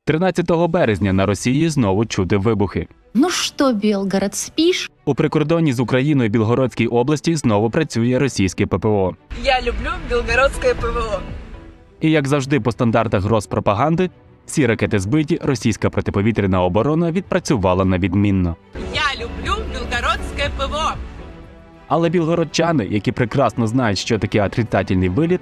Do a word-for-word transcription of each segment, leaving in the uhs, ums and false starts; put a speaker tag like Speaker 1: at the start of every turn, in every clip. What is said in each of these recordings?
Speaker 1: тринадцятого березня на Росії знову чути вибухи.
Speaker 2: Ну что, Белгород, спишь?
Speaker 1: У прикордонні з Україною Білгородській області знову працює російське ППО.
Speaker 3: Я люблю белгородское ПВО.
Speaker 1: І як завжди по стандартах Роспропаганди, всі ракети збиті, російська протиповітряна оборона відпрацювала на відмінно.
Speaker 3: Я люблю белгородское ПВО.
Speaker 1: Але білгородчани, які прекрасно знають, що таке отрицательний виліт,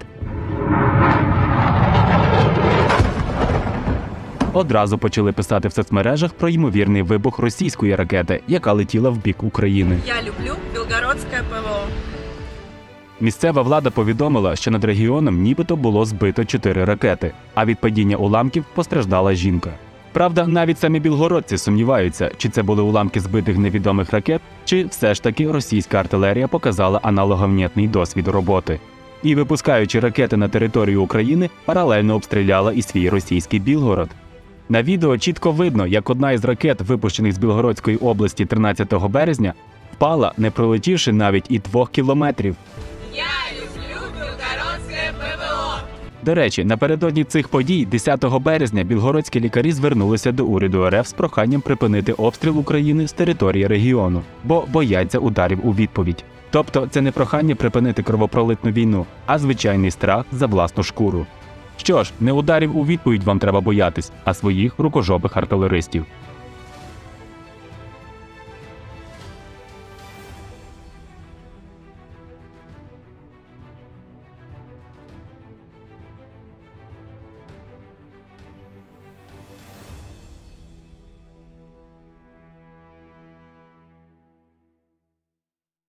Speaker 1: одразу почали писати в соцмережах про ймовірний вибух російської ракети, яка летіла в бік України.
Speaker 3: Я люблю белгородское ПВО.
Speaker 1: Місцева влада повідомила, що над регіоном нібито було збито чотири ракети, а від падіння уламків постраждала жінка. Правда, навіть самі білгородці сумніваються, чи це були уламки збитих невідомих ракет, чи все ж таки російська артилерія показала аналоговнєтний досвід роботи. І, випускаючи ракети на територію України, паралельно обстріляла і свій російський Білгород. На відео чітко видно, як одна із ракет, випущених з Білгородської області тринадцятого березня, впала, не пролетівши навіть і двох кілометрів.
Speaker 3: Я люблю белгородское ПВО.
Speaker 1: До речі, напередодні цих подій, десятого березня, білгородські лікарі звернулися до уряду РФ з проханням припинити обстріл України з території регіону, бо бояться ударів у відповідь. Тобто це не прохання припинити кровопролитну війну, а звичайний страх за власну шкуру. Що ж, не ударів у відповідь вам треба боятись, а своїх рукожопих артилеристів.